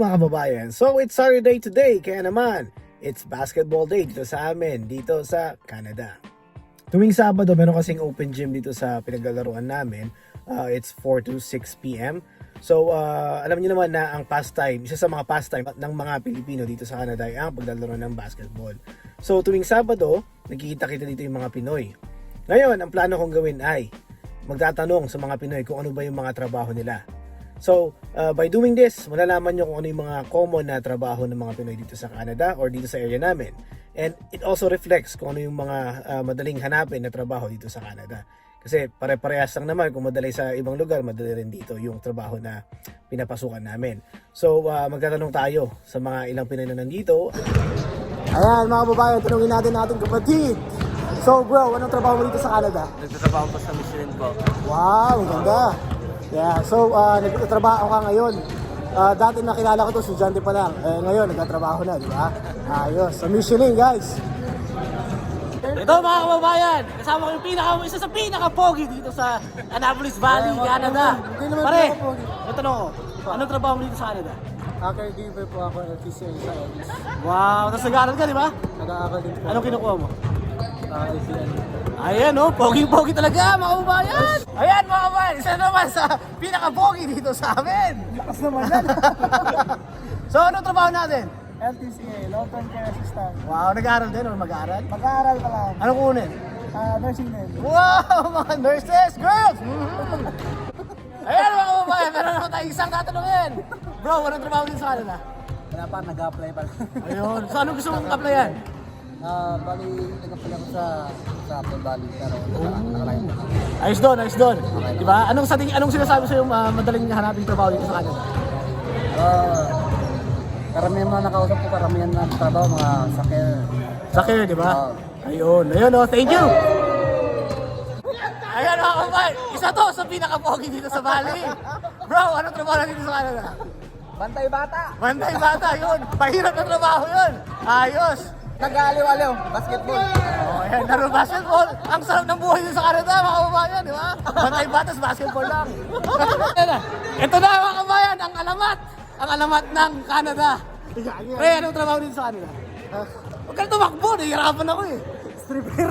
mga kababayan, so it's Saturday today, kaya naman, it's basketball day dito sa amin, dito sa Canada. Tuwing Sabado, meron kasing open gym dito sa pinaglalaroan namin. It's 4 to 6 p.m. So, alam niyo naman na ang pastime, isa sa mga pastime ng mga Pilipino dito sa Canada ay ang paglalaro ng basketball. So, tuwing Sabado, nagkikita-kita dito yung mga Pinoy. Ngayon, ang plano kong gawin ay magtatanong sa mga Pinoy kung ano ba yung mga trabaho nila. So, by doing this, malalaman nyo kung ano yung mga common na trabaho ng mga Pinoy dito sa Canada or dito sa area namin. And it also reflects kung ano yung mga madaling hanapin na trabaho dito sa Canada. Kasi pare-parehas lang naman, kung madali sa ibang lugar, madali rin dito yung trabaho na pinapasukan namin. So, magtatanong tayo sa mga ilang Pinoy na nandito. Ayan mga babae, tanungin natin ating kapatid. So bro, anong trabaho mo dito sa Canada? Nagtatrabaho po sa Michelin po. Wow, maganda. Yeah, so nagtatrabaho ka ngayon. Dati nakilala ko to, estudyante pa lang. Ngayon, nagtatrabaho na, di ba? Ayos. Sa Michelin, guys. Ito mga kababayan, kasama ko yung isa sa pinaka-pogi dito sa Annapolis Valley, Canada. Pare, natanong ko, anong trabaho mo dito sa Canada? Caregiver po ako ng PCA sa office. Wow, tapos nag-aaral ka, di ba? Nag-aaral din po. Anong kinukuha mo? ACN. Ayan oh, pogi-pogi talaga mga kababayan. Ayan mga kababayan, isa naman sa pinaka-pogi dito sa amin. Lakas naman yan. So anong trabaho natin? LTCA, long-term care assistant. Wow, nag-aaral din o mag-aaral? Mag-aaral pa lang. Anong kunin? Nursing din. Wow, mga nurses, girls! Ayan mga kababayan, meron naman tayo isang tatanungin. Bro, anong trabaho din sa Canada? Wala pa, nag-apply pa lang. Ayun, so anong gusto mong applyan? Bali, nag-apply ako sa Apple Valley, pero nakalayo na. Ayos doon, ayos doon. Diba? Anong sinasabi sa'yo madaling hanapin trabaho dito sa Canada? Karamihan mga nakausap ko, karamihan na trabaho, mga sakir. Sakir, di ba? Ayun, ayun oh, thank you! Ayan mga kababayan, isa to sa pinaka-pogi dito sa Valley. Bro, anong trabaho na dito sa Canada? Bantay bata! Bantay bata, yun. Pahirap na trabaho yun. Ayos. Nag-aaliw-aliw, basketball. Oh, ayan, laro basketball. Ang sarap ng buhay dito sa Canada, mga kababayan, di ba? Bantay batas, basketball lang. Ito na mga kababayan, ang alamat ng Canada. Pre, anong trabaho dito sa Canada? Huwag ka na tumakbo, nahihirapan ako eh. Stripper.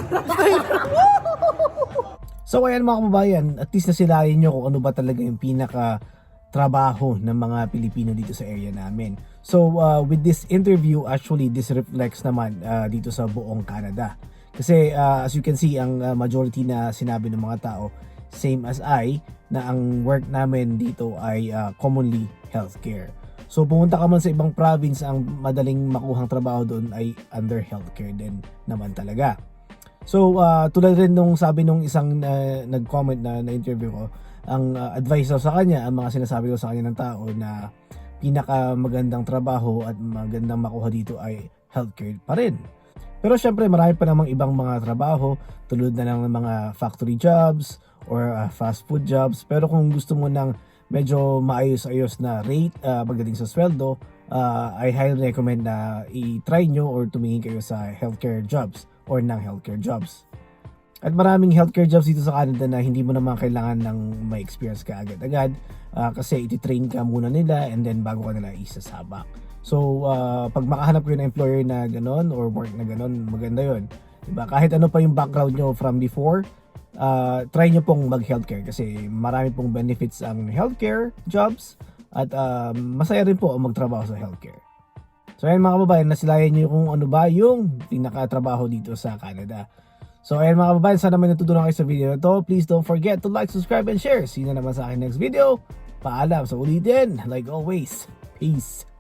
So ayan mga kababayan, at least nasilayan nyo kung ano ba talaga yung pinaka trabaho ng mga Pilipino dito sa area namin. So with this interview, actually this reflects naman dito sa buong Canada. Kasi as you can see, ang majority na sinabi ng mga tao, same as I, na ang work namin dito ay commonly healthcare. So pumunta ka man sa ibang province, ang madaling makuhang trabaho doon ay under healthcare din naman talaga. So tulad rin nung sabi nung isang nag-comment na interview ko, ang advice daw sa kanya, ang mga sinasabi daw sa kanya ng tao na pinaka magandang trabaho at magandang makuha dito ay healthcare pa rin. Pero syempre marami pa namang ibang mga trabaho tulad na ng mga factory jobs or fast food jobs. Pero kung gusto mo ng medyo maayos-ayos na rate pagdating sa sweldo, I highly recommend na i-try nyo or tumingin kayo sa healthcare jobs or ng healthcare jobs. At maraming healthcare jobs dito sa Canada na hindi mo naman kailangan ng may experience ka agad-agad kasi iti-train ka muna nila and then bago ka nila isasabak. So pag makahanap kayo ng employer na ganon or work na ganon, maganda yon, diba? Kahit ano pa yung background nyo from before, try nyo pong mag-healthcare kasi marami pong benefits ang healthcare jobs at masaya rin po ang magtrabaho sa healthcare. So ayan mga kababayan, nasilayan nyo kung ano ba yung pinakatrabaho dito sa Canada. So ayan mga kababayan, sana may natutunan kayo sa video na to. Please don't forget to like, subscribe, and share. See you na naman sa akin next video. Paalam, sa ulitin. Like always, peace.